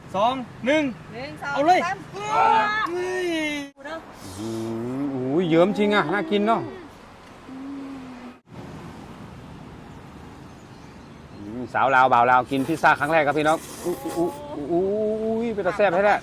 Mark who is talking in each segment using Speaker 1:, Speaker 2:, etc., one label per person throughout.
Speaker 1: เอาเลย
Speaker 2: เยิ้มจริงอ่ะน่ากินเนาะสาวลาวบ่าวลาวกินพิซซ่าครั้งแรกครับพี่น้องเป็นตาแซ่บให้แท้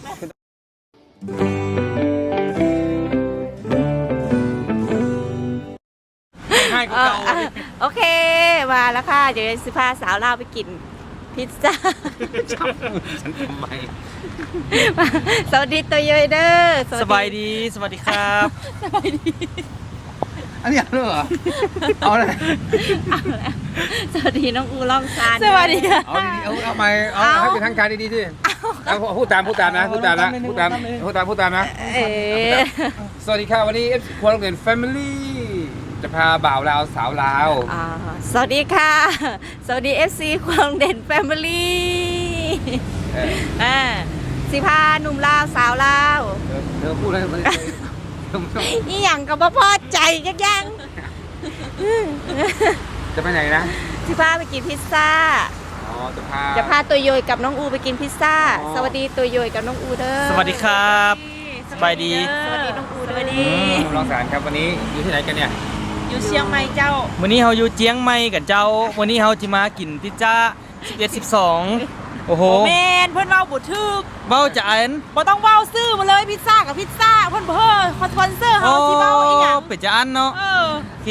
Speaker 2: ง่ายกว่าเก่า
Speaker 3: โอเคมาแล้วค่ะเดี๋ยวจะพาสาวลาวไปกินพิซซ่า
Speaker 2: ฉันทำไม
Speaker 3: สวัสดีตัวเยยเด้อ
Speaker 1: สบายดีสวัสดีครับ
Speaker 3: สบายดี
Speaker 2: อันนี้เหรอเอาเลย
Speaker 3: สวัสดีน้องอูล่องซาน
Speaker 1: สวัสดีค่ะ
Speaker 2: เอาใหม่เอาให้เป็นทางการดีๆดิพูดตามนะพูดตามนะสวัสดีค่ะวันนี้ครัวโรงเรียน Family จะพาบ่าวลาวสาวลาว
Speaker 3: สวัสดีค่ะสวัสดี FC ครัวโรงเรียน Family สิพาหนุ่มลาวสาวลาว
Speaker 2: เธอพูดอะไร
Speaker 3: นี่อย่างกับพ่อใจยัง
Speaker 2: จะไปไหนนะ
Speaker 3: สิพาไปกินพิซซ่าจะพาตัวโยยกับน้องอูไปกินพิซซ่าสวัสดีตัวโยยกับน้องอูเด้อ
Speaker 1: สวัสดีครับสบายดี
Speaker 3: สวัสดีน้องอูด้วยดี
Speaker 2: รองสารครับวันนี้อยู่ที่ไหนกันเนี่ย
Speaker 3: อยู่เชียงใหม่เจ้า
Speaker 1: วันนี้เราอยู่เชียงใหม่กับเจ้าวันนี้เราจะมากินพิซซ่า11 12โอ้โห
Speaker 3: แมนเพื่อนเว้าบุทึก
Speaker 1: เบ้าจะอัน
Speaker 3: บ่ต้องเว้าซื้อมาเลยพิซซ่ากับพิซซ่าเพื่อนคอนสปอนเซอร์เขาที่เว้าอีหยัง
Speaker 1: เป็ดจะอันเนาะโอเค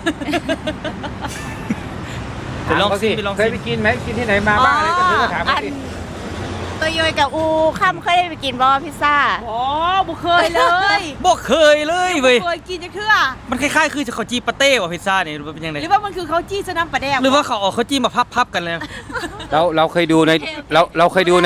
Speaker 2: ไปลองสิเคยไปกินไหมกินที่ไหนมาบ้างอะไรก็ถามสิ
Speaker 3: ตัวโยยกับอูค่ำเคยไปกินบ่พิซซ่าบ่เคยเลย
Speaker 1: บ่เคยเลยเว้ย
Speaker 3: เคยกินจังเทื่อ
Speaker 1: มันคล้ายๆคือข้าวจี้ปาเต้ว่ะพิซซ่านี่หรือว่าเป็นยังไง
Speaker 3: หรือว่ามันคือข้าวจี้สน้ำปลาแดก
Speaker 1: หรือว่าเขาเอาข้าวจี้มาพับกันเลย
Speaker 2: เราเคยดูในเราเคยดูใน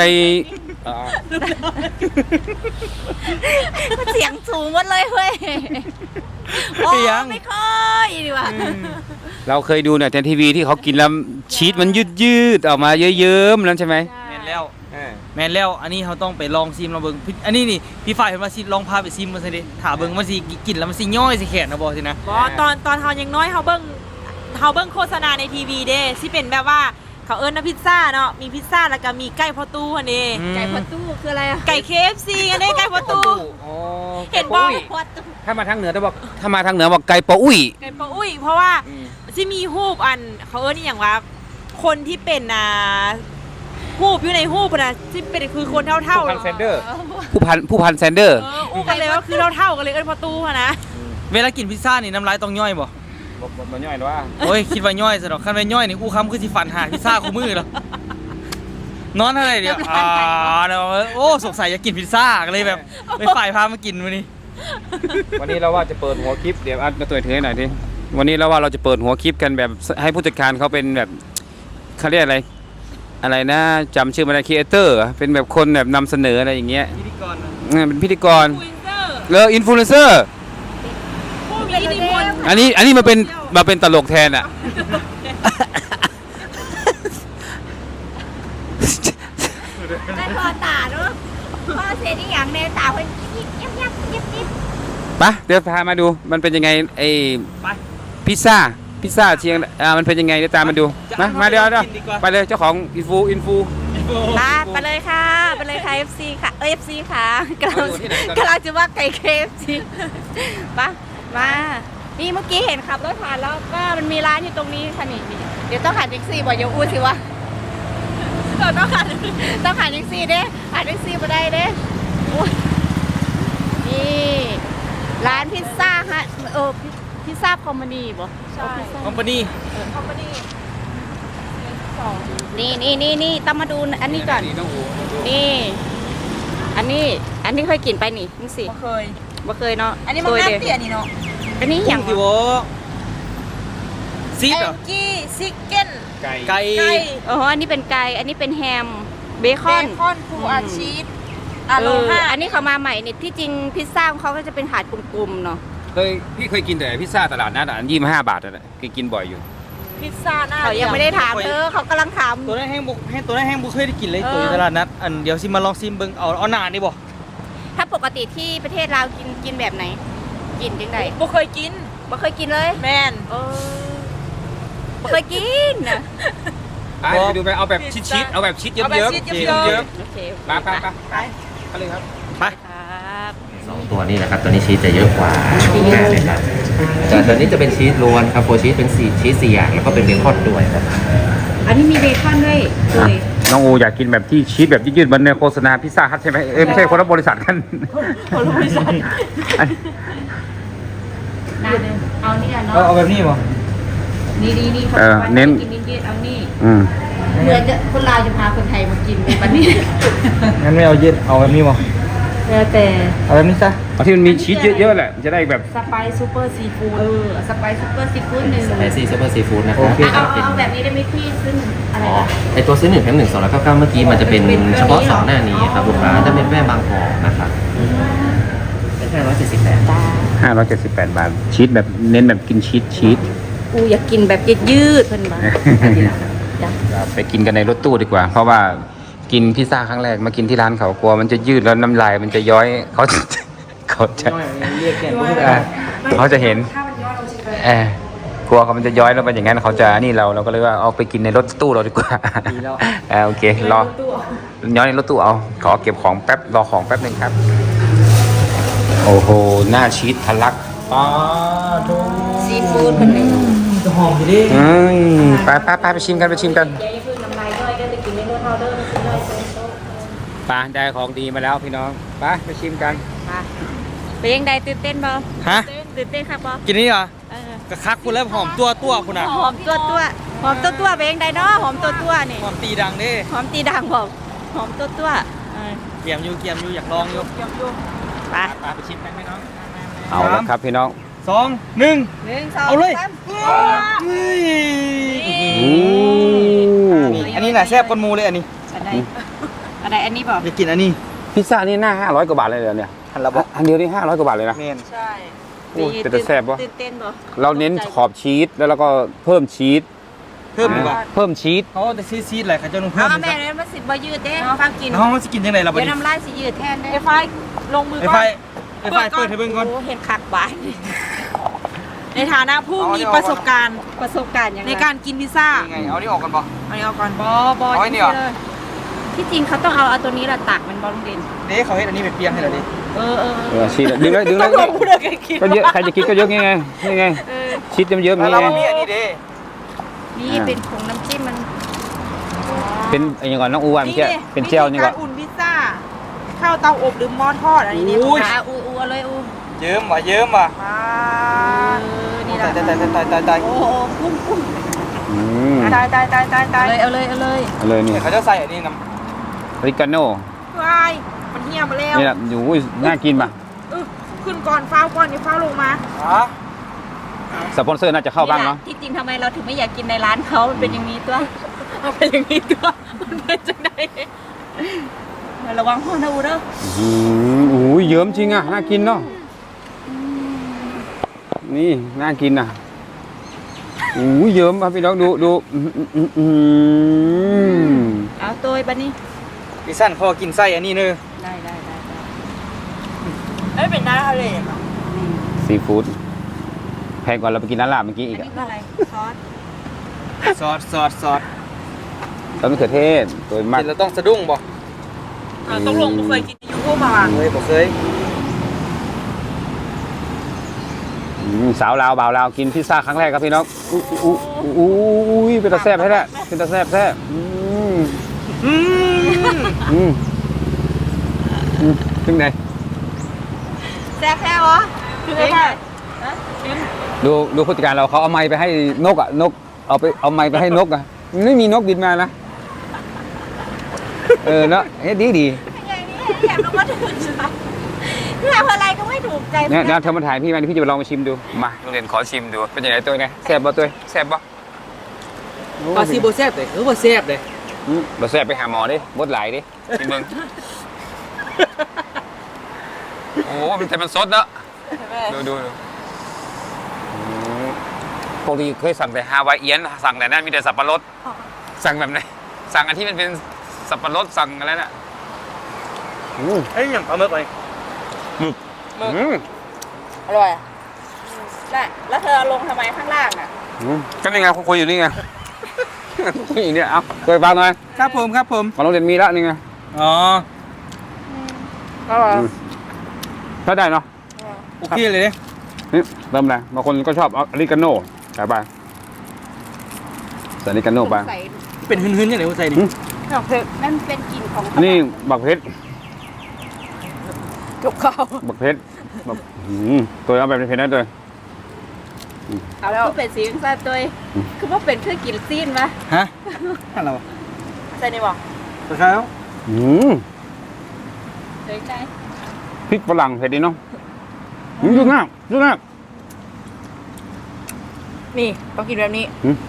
Speaker 3: เสียงสูงหมดเลยเว้ยไม่ค่อยดีว่ะ
Speaker 2: เราเคยดูเนี่ยในทีวีที่เขากินแล้วชีสมันยืดออกมาเยิ้มๆนั่นใช่ไหม
Speaker 1: แม่นแล้วอันนี้เขาต้องไปลองซิมเราเบิ่งอันนี้นี่พี่ฝ่ายเห็นว่าซิลองพาไปซิมมาสิดิถาเบิ่งมันสิกินแล้วมันสิย่อยสิแขนนะบอกสินะ
Speaker 3: ตอนเฮายังน้อยเฮาเบิ่งโฆษณาในทีวีเด้สิเป็นแบบว่าเขาเอิ้นนะพิซซ่าเนาะมีพิซซ่าแล้วก็มีไก่พอตู้อันนี้ไก่พอตู้คืออะไรไก่ KFC อันนี้ไก่พอตู้เห็นบ่
Speaker 2: ถ้ามาทางเหนือบอกไก่ปออุ้ย
Speaker 3: เพราะว่าสิมีฮูปอันเขาเอิ้นอย่างว่าคนที่เป็นฮูปอยู่ในฮูปนะที่เป็นคือคนเท่า
Speaker 2: ผู้พันแซนเดอร์ผู้พันแซนเดอร์
Speaker 3: อู้กันเลยว่าคือเท่ากันเลยเอิ้นพอตู้นะ
Speaker 1: เวลากินพิซซ่านี่น้ำลายต้องย่อยบ่
Speaker 2: มันย่อยหรอวะ
Speaker 1: โอ้ยคิดว่าย่อยซะดอกคันว่าย่อยนี่อู้คำคือสิฟันหาพิซซ่าคู่มือแล้วนอนอะไรเดี๋ยวโอ้สงสัยจะกินพิซซ่าก็เลยแบบไปฝ่ายพามากินวัน
Speaker 2: นี้เราว่าจะเปิดหัวคลิปเดี๋ยวอัดมาตัวถือให้หน่อยดิวันนี้เราว่าเราจะเปิดหัวคลิปกันแบบให้ผู้จัดการเขาเป็นแบบเขาเรียกอะไรนะจำชื่อมาได้ครีเอเตอร์เป็นแบบคนแบบนำเสนออะไรอย่างเงี้ย
Speaker 1: พิธีกร
Speaker 2: เป็นพิธีกรอินฟลูเอนเซอร์อันนี้มาเป็นตลกแทนอ่ะ
Speaker 3: ได้พอตาเนาะพอเสียที่อย่างในตาเพิ่นยับ
Speaker 2: ไปเดี๋ยวพามาดูมันเป็นยังไงไอ้พิซซ่าเชียงมันเป็นยังไงเดี๋ยวตามมาดูมาเดี๋ยวไปเลยเจ้าของอินฟู
Speaker 3: ไปเลยค่ะFC ค่ะFC ค่ะกำลังจะว่าไก่ KFC มานี่เมื่อกี้เห็นขับรถผ่านแล้วก็มันมีร้านอยู่ตรงนี้ค่ะนี่เดี๋ยวต้องหาแท็กซี่บอกอย่าอู้สิวะต้องหาแท็กซี่เด้หาแท็กซี่มาได้เด้นี่ร้านพิซซ่าฮะพิซซ่าคอมพานีบ่
Speaker 1: ใช่คอมพานี
Speaker 3: นี่ต้องมาดูอันนี้ก่อนนี่อันนี้เคยกินไปนี่สิบ่เคยเนาะ
Speaker 4: อันนี้มันน้ำเตี๋ยนี่เนาะ
Speaker 3: อันนี้อย่าง
Speaker 1: ที่ว่าซีดเหรอ
Speaker 4: ซิกเก้น
Speaker 1: ไก่
Speaker 3: อันนี้เป็นไก่อันนี้เป็นแฮมเบคอน
Speaker 4: ฟูอาชีส
Speaker 3: อันนี้เขามาใหม่นี่ที่จริงพิซซ่าของเขาก็จะเป็นถาดกลมๆเนาะ
Speaker 2: พี่เคยกินแต่พิซซ่าตลาดนัด25 บาทนั่นแหละเคยกินบ่อยอยู่
Speaker 4: พิซซ่าหน้า
Speaker 3: เขายังไม่ได้ถามเขากำลังถาม
Speaker 1: ตัวนั้นแห้งบุเคยได้กินเลยตัวตลาดนัดอันเดี๋ยวซิมาลองซิมเบิ้งเอาหนานี่บ่
Speaker 3: ถ้าปกติที่ประเทศเรากินแบบไหนกินจังได
Speaker 4: บ่เคยกินเลย
Speaker 3: แม่นบ่เคยกินนะ
Speaker 2: ไปดูไปเอาแบบชิดๆเอาแบบชิดเยิ้มๆ
Speaker 4: เอาแบบชิดเยิ้ม
Speaker 3: โอเค
Speaker 2: ไปไปเลยครับ
Speaker 1: ไป
Speaker 3: ครับ
Speaker 5: สองตัวนี้นะครับตัวนี้ชีสจะเยอะกว่าชุดแรกเลยครับแต่ตัวนี้จะเป็นชีสล้วนครับโฟชีสเป็นชีส4อย่างแล้วก็เป็นเบคอนด้วยครับ
Speaker 3: อันนี้มีเบคอนด้วยเลย
Speaker 2: น้องอูอยากกินแบบที่ชีสแบบยืดๆเหมือนในโฆษณาพิซซ่าฮัทใช่ไหมไม่ใช่คนละบริษัทกัน
Speaker 3: คนละบริษัทน่าเดินเอานี่อ่ะเนาะ
Speaker 1: เอาแบบนี้ป่ะ
Speaker 3: นี่เขา
Speaker 2: เน้น
Speaker 3: กินยืดๆเอานี่
Speaker 2: อืม
Speaker 3: เหมือนจะคนลาวจะพาคนไทยมากินในวันนี้
Speaker 1: งั้นไม่เอาเย็นเอาแบบนี้ป่ะ
Speaker 3: แล้วแต่
Speaker 1: เอาแบบนี้ซะ
Speaker 2: เอาที่มันมีชีสเยอะๆแหละจะได้แบบ
Speaker 3: สไปซ์ซูเปอร์ซีฟู้ดสไปซ์ซูเปอร์ซีฟู้ดหนึ่ง
Speaker 5: สไปซี่ซูเปอร์ซีฟู้ดนะครับ
Speaker 3: เอาแบบนี้ได้ไหมพี่ซึ่งอะไร
Speaker 5: อ๋อ
Speaker 3: นะ
Speaker 5: ไอตัวซื้อ1 แถม 1 299เมื่อกี้มันจะเป็นเฉพาะ2หน้านี้ครับลูกค้าจะเป็นแม่บางกอกนะครับเป็นแค่178
Speaker 2: 578 บาทชีสแบบเน้นแบบกินชีส
Speaker 3: กูอยากกินแบบยืดๆเพิ่นมาจ้ะ
Speaker 2: ไปกินกันในรถตู้ดีกว่า เพราะว่ากินพิซซ่าครั้งแรกมากินที่ร้านเขากลัวมันจะยืดแล้วน้ำลายมันจะย้อยเขาจะเขาจะเห็นกลัวเขามันจะย้อยแล้วมันอย่างนั้นเขาจะนี่เราก็เลยว่าเอาไปกินในรถตู้เราดีกว่าโอเครอย้อยในรถตู้เอาขอเก็บของแป๊บรอของแป๊บนึงครับโอ้โหหน้าชีสทะลัก
Speaker 1: ป้าโถ
Speaker 3: ซีฟู้ดเพิ่นเลย
Speaker 1: จะหอมอยู่ดิ
Speaker 2: ไปชิมกัน
Speaker 3: อย่าให้เพิ่งน้ำลายย่อยได้ไปกินในรถเฮาเด้อมันสิย่อยโต
Speaker 2: ไปได้ของดีมาแล้วพี่น้องไปชิมกัน
Speaker 3: ๆมาเป็นยังไงตื่นเต้นบ่
Speaker 1: ฮะ
Speaker 3: ตื่นเต้นครับบ่
Speaker 1: กินนี่เหรอ
Speaker 3: เออก
Speaker 1: ระคักคุณแล้วหอมตัวคุณอ่ะ
Speaker 3: หอมตัวเป็นยังไงเนาะหอมตัวนี่
Speaker 1: หอมตีดังดิ
Speaker 3: หอมตีดังบ่หอมตัว
Speaker 1: เกียมอยู่อยากลองอยู่
Speaker 3: ไป
Speaker 1: ไปชิมกันไหมน้อง
Speaker 2: เอาแล้วครับพี่น้อง
Speaker 1: 2 1
Speaker 3: 1 2
Speaker 1: เอาเลย
Speaker 3: 3
Speaker 1: เฮ้ย
Speaker 2: โอ้
Speaker 1: อันนี้น่ะแซ่บก้นมูเลยอันนี้
Speaker 3: อะไรอันนี้บ่
Speaker 1: อยากกินอันนี้
Speaker 2: พิซซ่านี่หน้า500 กว่าบาทเลยเหรอเนี่ย
Speaker 1: หันละบอก
Speaker 2: อันเดียวนี่500 กว่าบาทเลยนะ
Speaker 1: เมน
Speaker 4: ใช่
Speaker 2: โอ้แต่จะแซ่บวะ
Speaker 3: ตื่นเต้นบ่
Speaker 2: เราเน้นขอบชีสแล้วเราก็เพิ่มชีส
Speaker 1: เพิ่มดีกว่า
Speaker 2: เพิ่มชีส
Speaker 1: เขาจะซีดอะไรเขาจะลงเพิ่
Speaker 3: เอา
Speaker 1: ม
Speaker 3: แม่เนี่ยมันสิบ่ยืดเด้ฟังกิน
Speaker 1: น้องมันจะกินยังไงล่ะบัด
Speaker 3: เดี๋ยว
Speaker 1: นี้
Speaker 3: น้ำลายสิยืดแทนเด้
Speaker 4: ไอ้ไฟลงมือ
Speaker 1: ไอ้
Speaker 4: ก่
Speaker 1: ไฟ
Speaker 4: อน
Speaker 1: เปิดให้เบิ่งก่อน
Speaker 3: โอ้เห็นคักบาด
Speaker 4: ในฐานะผู้มีประสบการณ์
Speaker 3: ประสบการณ์ยังไง
Speaker 4: ในการกินพิซซ่า
Speaker 1: ยังไงเอานี่ออกกันบ่
Speaker 4: เอานี้เอาก่อน
Speaker 3: บ่
Speaker 1: เอาไว้นี่เหรอ
Speaker 3: ที่จริงเขาต้องเอาตัวนี้ละตักมันบ่ลุงเด่น
Speaker 1: เด้เขาเฮ็ดอันนี้เป็นเปียงให้เราดิ
Speaker 2: ชีสดึงเลย
Speaker 4: ต้องลงมือเลยกิน
Speaker 2: ก็เยอะใครจะกินก็เยอะไงนี่ไงชีสเยอะๆ
Speaker 1: แล้ว
Speaker 2: นี่
Speaker 1: เรา
Speaker 2: ไง
Speaker 1: ก็มีอันนี้เด้
Speaker 3: นี่เป็นผงน้ำจิ้มมัน
Speaker 2: เป็นอย่างก่อนน้องอูวันเมื่อกี้เป็นเจลนี่ก่อน
Speaker 4: วิธีการอุ่นพิซซ่าข้าวเตาอบหรือหม้อทอดอันนี้เนี่ย
Speaker 3: ขาอูเอาเลยอู
Speaker 1: เยิ้มว่ะเยิ้มว่ะ
Speaker 3: นี่แหละ
Speaker 1: ตาย
Speaker 3: โอ้โหกุ้ง
Speaker 2: อืม
Speaker 4: ตาย
Speaker 3: เอาเลย
Speaker 2: เอาเลยนี่
Speaker 1: เดี๋ยวเขาจะใส่อันนี้น้
Speaker 2: ริกาโน่
Speaker 4: วายมันเหี่ยมาแล้ว
Speaker 2: นี่แหละอยู่น่ากินป่ะ
Speaker 4: ขึ้นก่อนฟ้าวก่อนเดี๋ยวฟ้าวลงมา
Speaker 1: ำฮะ
Speaker 2: สปอนเซอร์น่าจะเข้าบ้างเนาะ
Speaker 3: ที่จริงทำไมเราถึงไม่อยากกินในร้านเขามันเป็นอย่างนี้ตัวเอาเป็นอย่างนี้ตัวมันเป็นจังไดระวังห้องนะอูเด้อ
Speaker 2: โอ้ยเยิ้มจริงอ่ะน่ากินเนาะนี่น่ากินอ่ะโอ้ยเยิ้มครับพี่น้องดู
Speaker 3: เอาตัวบัดนี้
Speaker 1: พี่สั้นเขากินไส้อันนี้เนอะ
Speaker 3: ได้
Speaker 4: เอ้ยเป็นน้ำทะเล
Speaker 2: ซีฟู้ดแพงกว่าเราไปกินร้านลาบเมื่อกี้อีก
Speaker 3: อัน
Speaker 2: อ่ะ
Speaker 3: นี้คืออะไรซอส
Speaker 1: ซอส
Speaker 2: ต้นมะเขือเทศตัวมาก
Speaker 1: กินแล้วต้องสะดุ้งบ่
Speaker 4: ต้องลงเคยกินยูโก้มาว่ะ
Speaker 1: เคยบ่เคย
Speaker 2: สาวลาวบ่าวลาวกินพิซซ่าครั้งแรกครับพี่น้องอู้ยเป็นตาแซ่บให้แหละเป็นตาแซ่บถึงไหน
Speaker 3: แซ่บเหรอ
Speaker 4: คือไงบ้าง
Speaker 2: ดูผู้จัดการเราเขาเอาไม้ไปให้นกอ่ะนกเอาไม้ไปให้นกอ่ะไม่มีนกบินมานะเนาะเฮ้ยดี
Speaker 3: อย่างนี้แถมลงมาถึงทำอะไรก็ไม่ถูกใจ
Speaker 2: เนี่ยเธอมาถ่ายพี่มาพี่จะไปลองมาชิมดูมาโรงเรียนขอชิมดูเป็นยังไงตัวไงแซ่บป่ะตัวแซ่บป่ะ
Speaker 1: ปลาซีโบแซ่บเลยบ่แซ่บเลย
Speaker 2: บ่แซ่บไปหาหมอดิบดไหลดิกินมึงโอ้มันสดเนาะดูปกติเคยสั่งแต่ฮาวายเอียนสั่งแต่นั้นมีแต่สับปะรดสั่งแบบไหนสั่งอันที่มันเป็นสับปะรดสั่งอะไรน่ะ
Speaker 1: เฮ้ยอย่างปลาหมึกเลย
Speaker 3: อร่อยน่ะแล้วเธอลงทำไมข้างล่างอ่ะ
Speaker 2: ก็นี่ไงคุยอยู่นี่ไงอย่างเนี้ยเอาเคยฟังหน่อย
Speaker 1: ครับผมครับผม
Speaker 2: มาโรงเรียนมีแล้วนี่ไง
Speaker 1: อ๋อ
Speaker 2: ถ้าได้เนาะ
Speaker 1: โอเคเลยเนี่ย
Speaker 2: นี่เติมอะไรบางคนก็ชอบอริกาโน่ใส่ไปใส่อริกาโน่ไป
Speaker 3: ใส่
Speaker 1: เป็นหืนๆอย่างไรวะใส่ดิ
Speaker 3: ดอกเผือกนั่นเป็นกลิ่นของ
Speaker 2: นี่บักเพชร
Speaker 3: กับข้าว
Speaker 2: บักเพชรแบบตัวเอาแบบเพชรได้ตัว
Speaker 3: เอาแล้วเป็นสีของซาตัวคือว่าเป็นเครื่องกินซีนปะ
Speaker 1: ฮะอะไรวะ
Speaker 4: ใส่ในบอก
Speaker 1: ตะเช้า
Speaker 3: เล็กได้
Speaker 2: พริกฝรั่งเผ็ดดีเนาะยุ่งมากยุ่งมาก
Speaker 4: นี่ต้องกินแบบนี้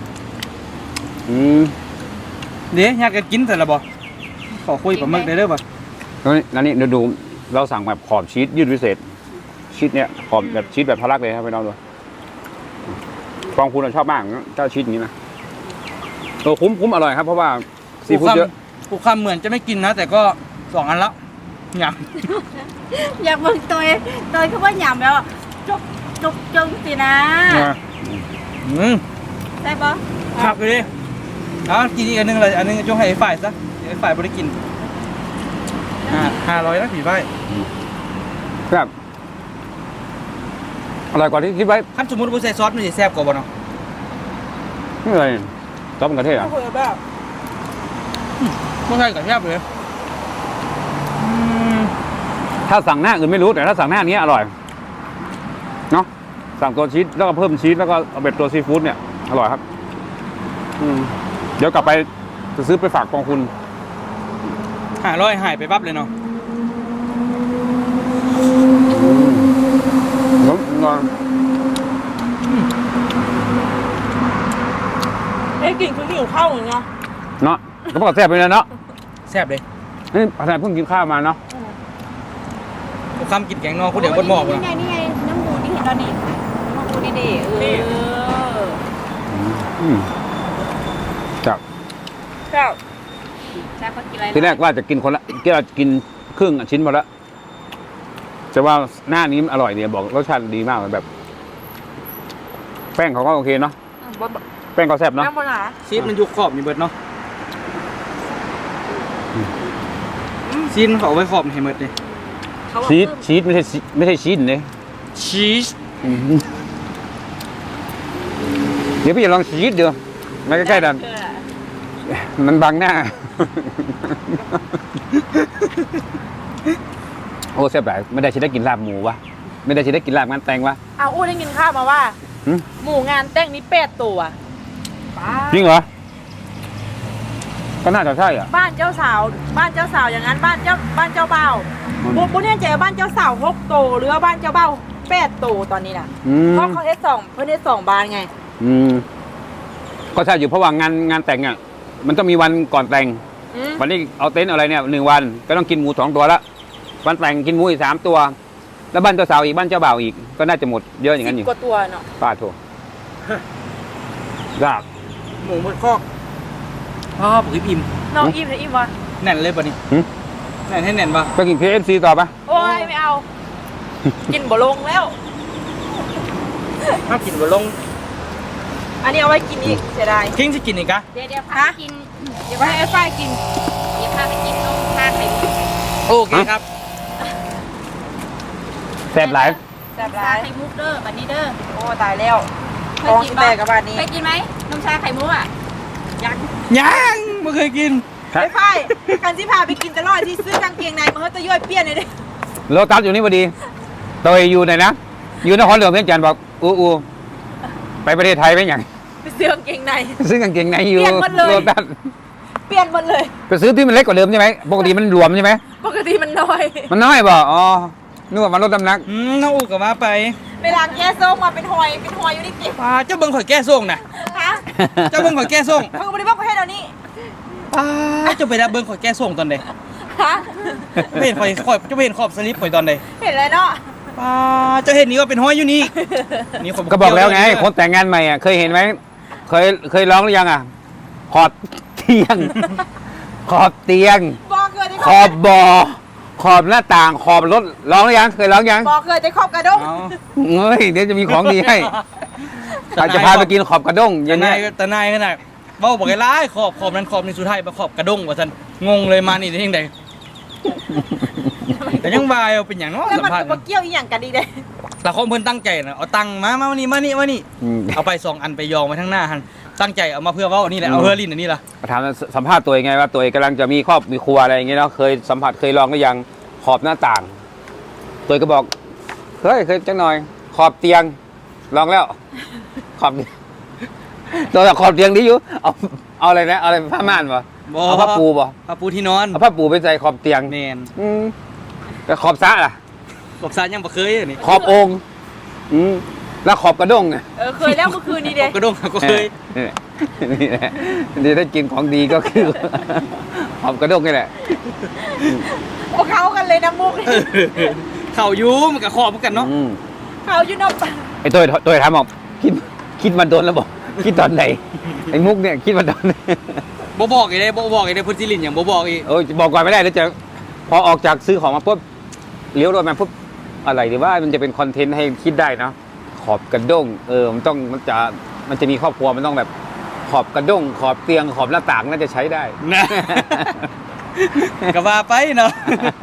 Speaker 1: เดี๋ยวอยากจะกินแต่ละบ่ขอคุยกับมึกได้เด้อบ่
Speaker 2: แล้วนี่เดี๋ยวดูเราสั่งแบบขอบชีสยืดพิเศษชีสเนี่ยขอบแบบชีสแบบทะลักเลยครับไปลองดูฟองคุณชอบมากเจ้าชีสนี้นะคุ้มอร่อยครับเพราะว่าซีฟู้ดเยอะ
Speaker 1: ผูกคำเหมือนจะไม่กินนะ แต่ก็2 อันแล้วหยาบ
Speaker 3: อยากเบิ่งตัวคือว่าหยำแล้วจุกจงสินะใช่ปะ
Speaker 1: ขับไปดิกินอีกอันนึงเลยอันนึงจงให้ไอ้ฝ่ายซะเดี๋ยวไอ้ฝ่ายบริกิน500นะผีฝ่าย
Speaker 2: ครับอร่อยกว่าที่คิดไว้
Speaker 1: ขั้นสมมติว่าใส่ซอสมันจะแซ่บกว่าบ่เนาะ
Speaker 2: นี่เลยซอสมะเขือเทศอ่ะ
Speaker 4: คุยแบบ
Speaker 1: ไม่ใช่กับแซ่บเลย
Speaker 2: ถ้าสั่งหน้าอื่นไม่รู้แต่ถ้าสั่งหน้านี้อร่อยเนาะสั่งตัวชีสแล้วก็เพิ่มชีสแล้วก็เอาเป็นตัวซีฟู้ดเนี่ยอร่อยครับเดี๋ยวกลับไปจะซื้อไปฝากกองคุณ
Speaker 1: 500หายไปปั๊บเลยเนาะ
Speaker 4: กลิ่นคือหิวข้าวเหมือนเนาะ
Speaker 2: เนาะก็บอกแซ่บไปเลยเนาะ
Speaker 1: แซ่บเลย
Speaker 2: นี่อาจารย์เพิ่งกินข้าวมาเนาะ
Speaker 1: ผูกคำกินแกงนอกคนเดียวบนหม้อกู
Speaker 3: นี่
Speaker 1: เนาะ
Speaker 3: ไงนี่ไงน้ำหมูนี่เห็นตอนนี้น้ำหมูนี่ดิ
Speaker 2: ครับ
Speaker 4: เจ้า
Speaker 3: แซ่บกินอะไร
Speaker 2: ทีแรกว่าจะกินคนละกินครึ่งชิ้นหมดแล้วจะว่าหน้านี้อร่อยเนี่ยบอกรสชาติดีมากเลยแบบ แป้งเขาก็โอเคเนาะแป้งก็แซ่บเนาะ
Speaker 4: น้ำบนหนา
Speaker 1: ชีสมันอยู่ขอบนี่เบิดเนาะชีสเขาเอาไว้ขอบให้หมดเลย
Speaker 2: ชีสไม่ใช่ชีสเนี่ย
Speaker 1: ชีส
Speaker 2: เดี๋ยวพี่จะลองชีสเดี๋ยวมาใกล้ๆดันมันบังหน้า โอ้แซ่บหลายไม่ได้ชิได้กินลาบหมูวะไม่ได้ชิได้กินลาบงานแต่งวะ
Speaker 4: เอาอู้ได้กินข้าวมาว่า
Speaker 2: หึ
Speaker 4: หมูงานแต่งนี้8 ตัว
Speaker 2: จริงเหรอก็น่าจะใช่อ่ะ
Speaker 4: บ้านเจ้าสาวอย่างนั้นบ้านเจ้าบ่าวบุญเนี่ยเจ๋บ้านเจ้าสาว6 ตัวหรือว่าบ้านเจ้าบ่าว8 ตัวตอนนี้นะเพราะเขาเฮ็ด2บานไง
Speaker 2: ก็ใช่อยู่เพราะว่างานแต่งอ่ะมันต้องมีวันก่อนแต่ง วันนี้เอาเต็นท์อะไรเนี่ย1 วันก็ต้องกินหมู2 ตัวละวันแต่งกินหมูอีก3 ตัว แล้วบ้านเจ้าสาวอีกบ้านเจ้าบ่าวอีกก็น่าจะหมดเยอะอย่างนั้นอยู่
Speaker 4: 10 กว่าตัวเนาะ
Speaker 2: ป้าโถยาก
Speaker 1: หมูหมดคอกผมอิ่ม
Speaker 4: น้องอิ่มเลยอิ่มวะ
Speaker 1: แน่นเลยป่ะนี่แน่นให้แน่นป่ะ
Speaker 2: ไปกิน KFC ต่อปะ
Speaker 4: โอ้ยไม่เอา กินบ่ลงแล้ว
Speaker 1: ถ้ากินบะลง
Speaker 4: อันนี้เอาไว้กินอีกเสียดาย
Speaker 1: ทิ้งจะกินอีกอะ
Speaker 3: เดี๋ยวพากิน
Speaker 4: เดี๋ยวไว้ให้ไอ้ฝ้ายกิน
Speaker 3: เดี๋ยวพาไปกินนมพาไข่มุก
Speaker 1: โอเคครับ
Speaker 2: แซ่บหลาย
Speaker 4: แซ่บ
Speaker 3: ชา
Speaker 4: ร้าย
Speaker 3: ไข่มุกเด้อบัดนี้เด้อ
Speaker 4: โอ้ตายแล้ว
Speaker 3: เค
Speaker 4: ท้
Speaker 3: ย
Speaker 4: อง
Speaker 3: กิน
Speaker 4: แตกกับบ้านนี้
Speaker 3: เคยกินไหมนมชาไข่มุกอ่ะยัง
Speaker 1: ยังไม่เคยกิน
Speaker 4: ไอ้ฝ้ายกันที่พาไปกินตลอดที่ซื้อกางเกงในมาเฮ้ยตะย่อยเปี้ยนเลยดิ
Speaker 2: โลตัสอยู่นี่พอดีตัวอยู่ไหนนะอยู่นครหลวงเพียงจันทร์บอกอู้ไปประเทศไทยไปอย่าง
Speaker 4: ไปซื้อกางเกงใน
Speaker 2: ซื้อกางเกงในอยู่
Speaker 4: เปลี่ยนหมดเลย
Speaker 2: โลตัส
Speaker 4: เปลี่ยนหมดเลย
Speaker 2: ไปซื้อที่มันเล็กกว่าเดิมใช่ไหมปกติมันรวมใช่ไหม
Speaker 4: ปกติมันน้อย
Speaker 2: มันน้อยบ่อ๋อนึกว่ามันลดน้ำหนัก
Speaker 1: น้องอูกับมาไป
Speaker 4: เวลาแก้ส้มมาเป็นหอยอยู่นี่จิบ
Speaker 1: เจ้าเบิ้งข่อยแก้ส่งนะ
Speaker 4: ฮะ
Speaker 1: เจ้าเบิ้งข่อยแก้ส่ง
Speaker 4: เขาก็ไม่ได้บอกประเทศเรานี่
Speaker 1: เจ้าไปรับเบิ้งข่อยแก้ส่งตอนใด
Speaker 4: ฮะ
Speaker 1: ไม่เห็นข่อยเจ้าไปเห็นขอบสลิปข่อยตอนใด
Speaker 4: เห็นเลยเนาะ
Speaker 1: เจ้าเห็นนี่ว่าเป็นห้อยอยู่นี่นี่ข่ย
Speaker 2: ก็บอกแล้วไงคนแต่งงานใหม่อ่ะเคยเห็นไหมเคยร้องหรือยังอ่ะขอบเตียง ขอบเตียง
Speaker 4: บอกเคยได้
Speaker 2: ขอบบ่อขอบหน้าต่างขอบรถร้องหรือยังเคยร้องยัง
Speaker 4: บอกเคยได้ขอบกระด้ง
Speaker 1: เอา
Speaker 2: เฮ้ยเดี๋ยวจะมีของดีให้อาจจะพาไปกินขอบกระด้งอ
Speaker 1: แต่
Speaker 2: ย่าง
Speaker 1: นา
Speaker 2: เงี้
Speaker 1: ย
Speaker 2: ย
Speaker 1: แต่นายขนาดเว้าบอกไอ้ร้ายขอบนั้นขอบนี่สุดท้ายมาขอบกระด้งว่าซั่นงงเลยมานี่ได้จังได๋แต่ยังว่าเอาเป็นหยังเนาะ
Speaker 4: แล้ว
Speaker 1: สัม
Speaker 4: มัน
Speaker 1: ภาษ
Speaker 4: ก็
Speaker 1: ณ์
Speaker 4: บ่เกี่ยวอีหยังกันดีเด้
Speaker 1: แต่คนเพิ่นตั้งใจนะเอาตังค์มานี่เอาไป2อันไปยองไว้ทั้งหน้าหันตั้งใจเอามาเพื่อเว้านี่แหละเอาเพื่อลิ้นอันนี้ล่ะ
Speaker 2: ถามสัมภาษณ์ตัวเองไงว่าตัวเองกำลังจะมีครอบมีครัวอะไรอย่างเงี้ยเนาะเคยสัมผัสเคยลองหรือยังขอบหน้าต่าง ตัวเองก็บอกเคยจังหน่อย ขอบเตียงลองแล้ว ขอบตัวขอบเตียงดีอยู่เอาอะไรนะเอาอะไรผ้าม่านปะเอาผ้าปูปะ
Speaker 1: ผ้าปูที่นอน
Speaker 2: เอาผ้าปูไปใส่ขอบเตียง
Speaker 1: แม่น
Speaker 2: แต่ขอบซะล่ะ
Speaker 1: ขอบซานยังบ่เคยอันนี้
Speaker 2: ขอบโองค์แล้วขอบกระด้งไง
Speaker 4: เคยแล้วเมื่อคืนนี้
Speaker 1: ข
Speaker 4: เด้
Speaker 1: อบกระด้งก็เคย
Speaker 2: นี่แหละนี่ถ้ากินของดีก็คือ ขอบกระด้งนี่แหละ
Speaker 4: พวกเขากันเลยนะมุก
Speaker 1: เข้าอยู่มันก็ขอบเหมือนกันเนาะ
Speaker 4: เขาอยู่นอก
Speaker 2: ไอ้ตัวถามบอกคิดมาโดนแล้วบอกคิดตอนไหนไอ้มุกเนี่ยคิดมาโดน
Speaker 1: บ่บอกอีกได้พุ่นสิลินอย่างบ่บอกอีก
Speaker 2: บอกก่อนไม่ได้แล้วจะพอออกจากซื้อของมาปุ๊บเลี้ยวรถมาปุ๊บอะไรดีว่ามันจะเป็นคอนเทนต์ให้คิดได้เนาะขอบกระด้งมันจะมีครอบครัวมันต้องแบบขอบกระด้งขอบเตียงขอบหน้าต่างน่าจะใช้ได้
Speaker 1: นะก็ว่าไปเนาะ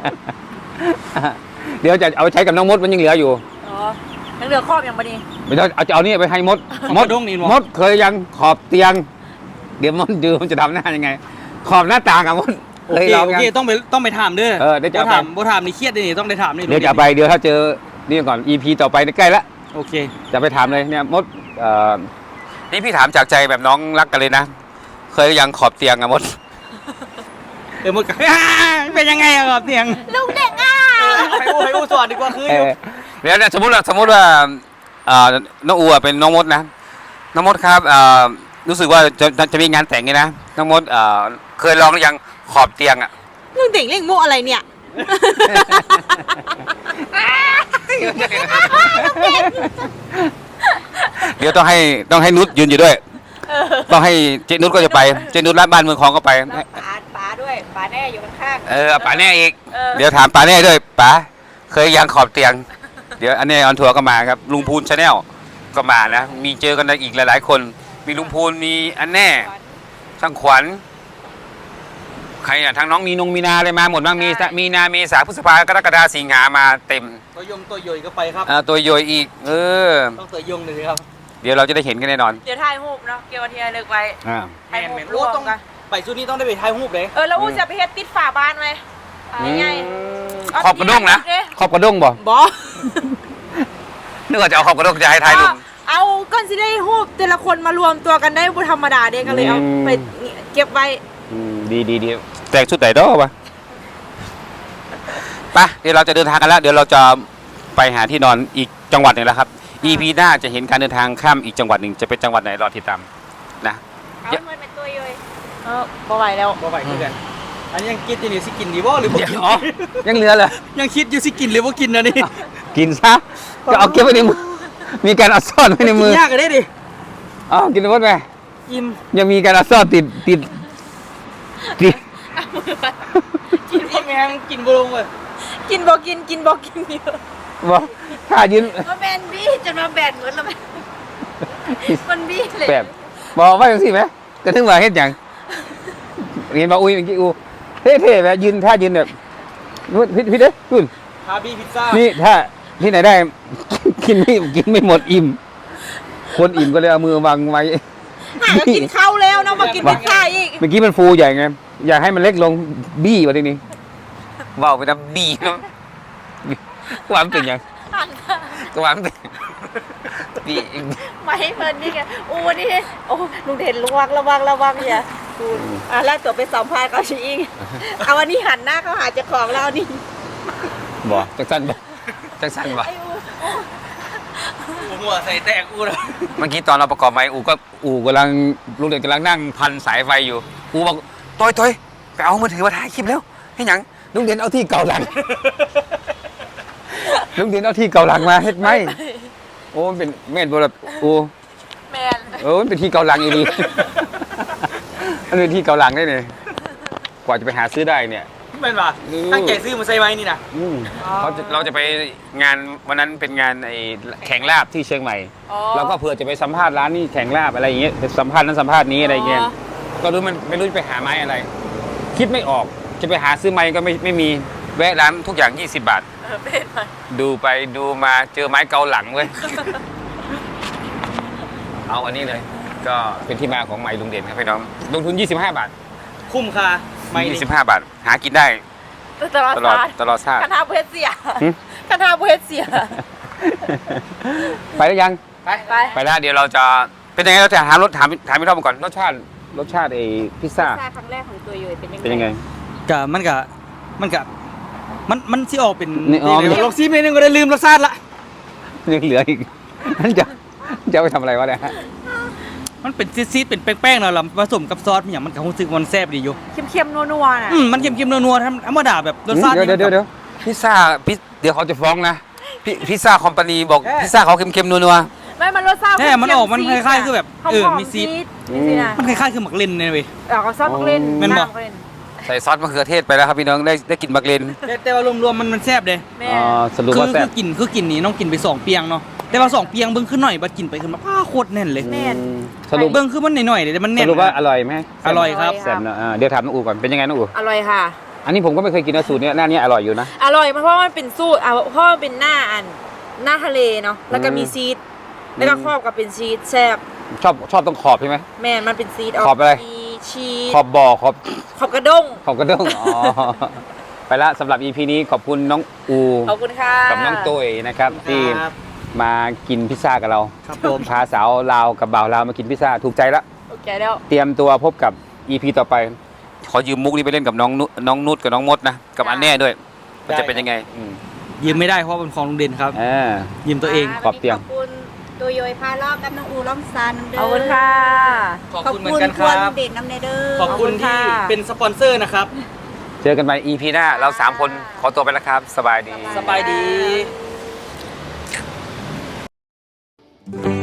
Speaker 2: เดี๋ยวจะเอาไปใช้กับน้องมดมันยังเหลืออยู่
Speaker 4: อ๋อยังเหลือครอบอย่างบ่ดี
Speaker 2: ไม่ต้องเอานี่ไปให้มด
Speaker 1: มดดงนี่
Speaker 2: มดเคยยังขอบเตียง เดี๋ยวมดดูมันจะทำหน้ายังไง ขอบหน้าต่างอะมด
Speaker 1: โอ
Speaker 2: เคย
Speaker 1: เค
Speaker 2: ลอง
Speaker 1: โอ
Speaker 2: ยัง
Speaker 1: เคต้องไปถามเด้อ
Speaker 2: เดี๋ยวจะเอาไป
Speaker 1: บ่ถามนี่เครียดนี่ต้องได้ถามนี่
Speaker 2: เดี๋ยวจะเอาไปเดี๋ยวถ้าเจอนี่ก่อน EP ต่อไปใกล้ละ
Speaker 1: โอเค
Speaker 2: จะไปถามเลยเนี่ยมดนี่พี่ถามจากใจแบบน้องรักกันเลยนะเคยยังขอบเตียงอะมด
Speaker 1: มดก็ เป็นยังไงอะครับเตียง
Speaker 3: ลุงเด็กอ่ะ
Speaker 1: ให้อูสอนดีกว่าคืออยู่
Speaker 2: เดี๋ยวเนี่ยสมมติว่าน้องอูเป็นน้องมดนะน้องมดครับรู้สึกว่าจะมีงานแต่งไงนะน้องมดเคยลองหรือยังขอบเตียงอะ
Speaker 4: ลุงเด็กเล่นมุกอะไรเนี่ย
Speaker 2: เดี๋ยวต้องให้นุชยืนอยู่ด้วยต้องให้เจนุชก็จะไปเจนุชร้านบ้านเมืองคลองก็ไป
Speaker 4: ป๋าด้วยป๋าแน่อยู่ข้าง
Speaker 2: ป๋าแน่อีก
Speaker 4: เออ
Speaker 2: เดี๋ยวถามป๋าแน่ด้วยป๋าเคยยังขอบเตียง เดี๋ยวอันนี้ออนทัวร์ก็มาครับลุงพูนชาแนลก็มานะมีเจอกันอีกหลายๆคนมีลุงพูนมีอันแน่ช่างขวัญใครอ่ะทางน้องมีนาอะไรมาหมดบ้างมีนาเมษาพฤษภากรกฎาสิงหามาเต็ม
Speaker 1: ตัวยงตัวย่อยก็ไปครับ
Speaker 2: ตัวโยยอีก
Speaker 1: ต้องตัวยงเลยครับ
Speaker 2: เดี๋ยวเราจะได้เห็นกันแน่นอน
Speaker 4: เดี๋ยวถ่ายรูปเนาะเกี่ยวกับที่ระลึกไว้
Speaker 1: แม่นโอ้ต้องไปชุดนี้ต้องได้ไปถ่ายรูปเลย
Speaker 4: แล้วอู้จะไปเฮ็ดติดฝาบ้านไว้ง่าย
Speaker 2: ขอบกระด้งนะขอบกระด้งบ่
Speaker 4: ๆบ่
Speaker 2: นึกว่าจะเอาขอบกระด้งจะให้ถ่ายรูป
Speaker 4: เอาก้อนสิได้รูปแต่ละคนมารวมตัวกันได้บ่ธรรมดาเด้ก็เลยเอาไปเก็บไว้
Speaker 2: ดีแต่งชุดไหนดอกวะไปเดี๋ยวเราจะเดินทางกันแล้วเดี๋ยวเราจะไปหาที่นอนอีกจังหวัดหนึ่งแล้วครับ EP หน้าจะเห็นการเดินทางข้ามอีกจังหวัดหนึ่งจะเป็นจังหวัดไหนรอติดตามนะ
Speaker 3: เอาเหมือนเป็นตัวย่อย
Speaker 4: บ่ไหวแล้ว
Speaker 1: บ่ไปคือกันอันนี้ยังคิดอยู่นี่สิกินดีบ่หรือบ่กิน
Speaker 2: อ๋อยังเหลือเลย
Speaker 1: ยังคิดอยู่สิกินหรือบ่กินนะนี่
Speaker 2: กินซะก็เอาเก็บไว้ในมือมีการเอาซ่อนไว้ในมือย
Speaker 1: ากกันได้ดิ
Speaker 2: อ๋อกินหมดไหม
Speaker 1: กิน
Speaker 2: ยังมีการเอาซ่อนติด
Speaker 1: กินแม่งกินบ่ลงเลย
Speaker 4: กินบ่กินกินบ่กินเยอะ
Speaker 2: บอกถ้ายืน
Speaker 3: มาแบนบี้จนมาแบนเหมือนแล้วมันบี้เลย
Speaker 2: แบบบอกว่าอย่างสิไหมกระทึงว่าเฮ็ดอย่างเรียนบอกอุ้ยเมื่อกี้อูเท่ๆแบบยืนท่ายืนแบบพี่เด้คุณ
Speaker 1: ฮาบี้พิซซ่า
Speaker 2: นี่ถ้าที่ไหนได้ กินไม่หมดอิ่มคนอิ่มก็เลยเอามือวางไว้
Speaker 4: ก็กินข้าวแล้วเนาะมากินพิซซ่าอีก
Speaker 2: เมื่อกี้มันฟูใหญ่ไงอยากให้มันเล็กลงบี้กว่าทีนี้ว่าวไปนะบี้เนาะความเป็นอย่างความเป็นบี้
Speaker 3: มาให้เพลินนี่ไงอู้นี่โอ้ลุงเด่นระวังเนี่ยดูแล้วตัวไปสัมภาษณ์เขาชี้อิงเอาวันนี้หันหน้าเขาหาเจ้าของแล้วนี่
Speaker 2: บ่จังสั้นบ่
Speaker 3: ไอ้อู้
Speaker 1: หัวใส่แตกอูแล้ว
Speaker 2: เมื่อกี้ตอนเราประกอบไม้อูกำลังลุงเด่นกำลังนั่งพันสายไฟอยู่อูบอกต้อยไปเอามือถือมาถ่ายคลิปแล้วให้หยังลุงเด่นเอาที่เก่าหลัง ลุงเด่นเอาที่เก่าหลังมาเฮ็ดไหมโอ้มันเป็นแม่นบ่ล่ะโอ้
Speaker 4: แมน
Speaker 2: มันเป็นที่เก่าหลังอีดี มันเป็นที่เก่าหลังได้เนี่ยกว่าจะไปหาซื้อได้เนี่ย
Speaker 1: เป็นป่ะตั้งใจซื้อมาใส่ไว้นี่นะ
Speaker 2: เราจะไปงานวันนั้นเป็นงานไอ้แข่งลาบที่เชียงใหม่เราก็เผื่อจะไปสัมภาษณ์ร้านนี้แข่งลาบอะไรอย่างเงี้ยไปสัมภาษณ์นั้นสัมภาษณ์นี้อะไรอย่างเงี้ยก็รู้มันไม่รู้จะไปหาไม้อะไร คิดไม่ออกจะไปหาซื้อไม้ก็ไม่มีแวะร้านทุกอย่าง20 บาท
Speaker 4: เป็นไหม
Speaker 2: ดูไปดูมาเจอไม้เกาหลังเว้ย เอาอันนี้เลย ก็เป็นที่มาของไม้ลุงเด่นครับพี่น้องลงทุน25 บาท
Speaker 1: คุ้มค่าไม่ดิ
Speaker 2: 25 บาท หากินได้
Speaker 4: ตลอด
Speaker 2: ตลอด
Speaker 4: ชาติ
Speaker 2: ตลอดชาติ
Speaker 4: คาถาบุเฮดเสีย
Speaker 2: หึ
Speaker 4: คาถาบุเฮดเสีย
Speaker 2: ไปแล้วยัง
Speaker 1: ไป
Speaker 4: ไป
Speaker 2: ไปแล้วเดี๋ยวเราจะเป็นยังไงเราจะถามพี่ท็อปก่อนรสชาติไอ้พิซซ่า
Speaker 3: พิซซ่าครั้งแรกของตัวอยู่เป็นยังไง
Speaker 2: เป็นยังไง
Speaker 1: กะมันสิออกเป็น
Speaker 2: นี่อ๋อ
Speaker 1: ลองซีมนิดนึงก็ได้ลืมรสชาติละ
Speaker 2: ยังเหลืออีก นั่นจะเอาไปทำอะไรวะเนี่ย
Speaker 1: มันเป็นซีดๆเป็นแป้งๆเนาะแล้วผสมกับซอสมันอย่างมันก็รู้สึกมันแซ่บดีอยู่
Speaker 4: เค็มๆนัวๆน่ะ
Speaker 1: มันเค็มๆนัวๆธรรมดาแบบรสชาติ
Speaker 2: เดี๋ยวพิซซ่าเดี๋ยวเขาจะฟ้องนะพิซซ่าคอมพานีบอกพิซซ่าเขาเค็มๆนัว
Speaker 4: ไม่มันรสชาติ
Speaker 1: แท้มันออกมันคล้ายๆคือแบบ
Speaker 4: หอมๆ
Speaker 1: มีซีด
Speaker 4: มีซีดนะ
Speaker 1: มันคล้ายๆคือหมักเลนเนี่ยเว้ย
Speaker 4: เราก็ชอบมักเล่น
Speaker 1: แม่นบ่
Speaker 4: มักเล่น
Speaker 2: ๆใส่ซอสมะเขือเทศไปแล้วครับพี่น้องได้กินบักเลน
Speaker 1: แต่ว่ารวมๆมันแซ่บเด้
Speaker 4: แม่
Speaker 2: อ๋อสรุปว่าแซ่บ
Speaker 1: คือกินนี่น้องกินไป2เปียงเนาะแต่ว่า2เปียงเบิ่งขึ้นหน่อยบัดกินไปขึ้นมาป้าโคตรแน่นเลย
Speaker 4: แม่น
Speaker 2: สรุป
Speaker 1: เบิ่งคือมันหน่อยๆแต่มัน
Speaker 2: ส
Speaker 1: แน่น
Speaker 2: รุปว่าอร่อยไหม
Speaker 1: อร่อยครับ
Speaker 2: แซ่บนะเดี๋ยวถามน้องอูก่อนเป็นยังไงน้องอู
Speaker 4: อร่อยค่ะ
Speaker 2: อันนี้ผมก็ไม่เคยกินนะสูตรเนี้ยหน้านี้อร่อยอยู่นะ
Speaker 4: อร่อยเพราะว่ามันเป็นสูตรเพราะมันเป็นหน้าทะเลเนาะแล้วก็มีซีดแล้วก็ครอบกับเป็นชีสแซ่บ
Speaker 2: ชอบตรงขอบใช่ไหม
Speaker 4: แม่นมันเป็นซีด
Speaker 2: ขอบอะไร
Speaker 4: มีชีส
Speaker 2: ขอบบ่อขอบ
Speaker 4: ขอบกระด้ง
Speaker 2: ขอบกระด้งอ๋อ ไปละสำหรับ EP นี้ขอบคุณน้องอู
Speaker 4: ขอบคุณค่ะ
Speaker 2: กับน้องตุ้ยนะครับที่
Speaker 1: ครับ
Speaker 2: มากินพิซซ่ากับเรา
Speaker 1: ครับผม
Speaker 2: พาสาวลาวกับบ่าวลาวมากินพิซซ่าถูกใจละ
Speaker 4: โอเคแล้ว
Speaker 2: เตรียมตัวพบกับ EP ต่อไป ขอยืมมุกนี้ไปเล่นกับน้องนุชกับน้องมดนะกับอันแน่ด้วยมันจะเป็นยังไง
Speaker 1: ยืมไม่ได้เพราะเป็นของลุงเด่นครับ
Speaker 2: อ่า
Speaker 1: ยืมตัวเอง
Speaker 2: ขอบเตียง
Speaker 3: ขอบคุณตัวโยยพารอบกับน้องอูร่องซานน้ำเด้อ
Speaker 4: ขอบคุณค่ะ
Speaker 1: ขอบคุณเหมือนกันครับ
Speaker 3: ขอบคุณเด่นน้ำเนเด้อ
Speaker 1: ขอบคุณที่เป็นสปอนเซอร์นะครับ
Speaker 2: เจอกันใหม่ EP หน้าเรา3คนขอตัวไปแล้วครับ สบายดี
Speaker 1: สบายดี
Speaker 3: ส